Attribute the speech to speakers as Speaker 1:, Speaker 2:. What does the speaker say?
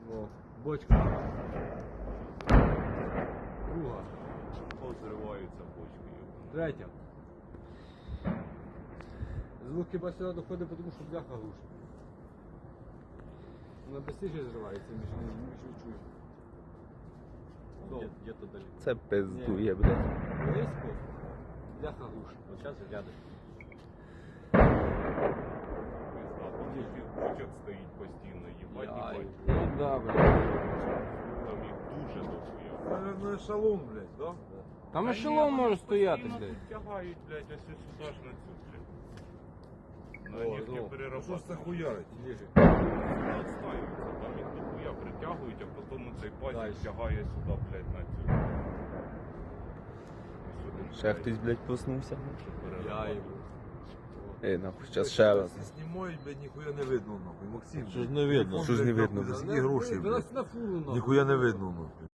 Speaker 1: О, бочка. Друга.
Speaker 2: Позриваються бочки.
Speaker 1: Третя. Звук хіба сюди доходить, тому що бляха глушить. Вона швидше зривається, ніж чую.
Speaker 2: Где-то далеко.
Speaker 3: Це пиздує, блядь.
Speaker 1: Близько, бляха глушить.
Speaker 2: Вот сейчас рядом. Бочок стоїть постійно, їбать, їбать.
Speaker 1: Ну да, блядь.
Speaker 2: Там їх дуже дохуя.
Speaker 4: Наверное, ешелон, блядь, да?
Speaker 1: Там ешелон може стояти,
Speaker 2: Постійно
Speaker 1: блядь.
Speaker 2: тут тягають, блядь, ось сюди ж на цю, блядь. На
Speaker 1: О,
Speaker 2: нефті
Speaker 1: ну,
Speaker 4: Що ж це
Speaker 2: переробляють.
Speaker 4: хуярить?
Speaker 2: Відстаються, там їх дохуя притягують, а потім цей пазик
Speaker 1: Дальше.
Speaker 2: тягає сюди, блядь, на цю. І сюди,
Speaker 3: Ще хтось, блядь, проснувся.
Speaker 2: щоб
Speaker 1: Я
Speaker 2: переробляти.
Speaker 1: їбу.
Speaker 3: Нахуй, зараз ще раз.
Speaker 4: Знімають, блядь, ніхуя не видно, нахуй. Максим.
Speaker 1: Що ж не видно?
Speaker 4: телефон,
Speaker 3: Що ж не
Speaker 4: блядь,
Speaker 3: видно?
Speaker 4: нахуй, За скільки грошей,
Speaker 1: Вона
Speaker 4: блядь.
Speaker 1: на фуру, нахуй.
Speaker 4: Ніхуя не видно, нахуй.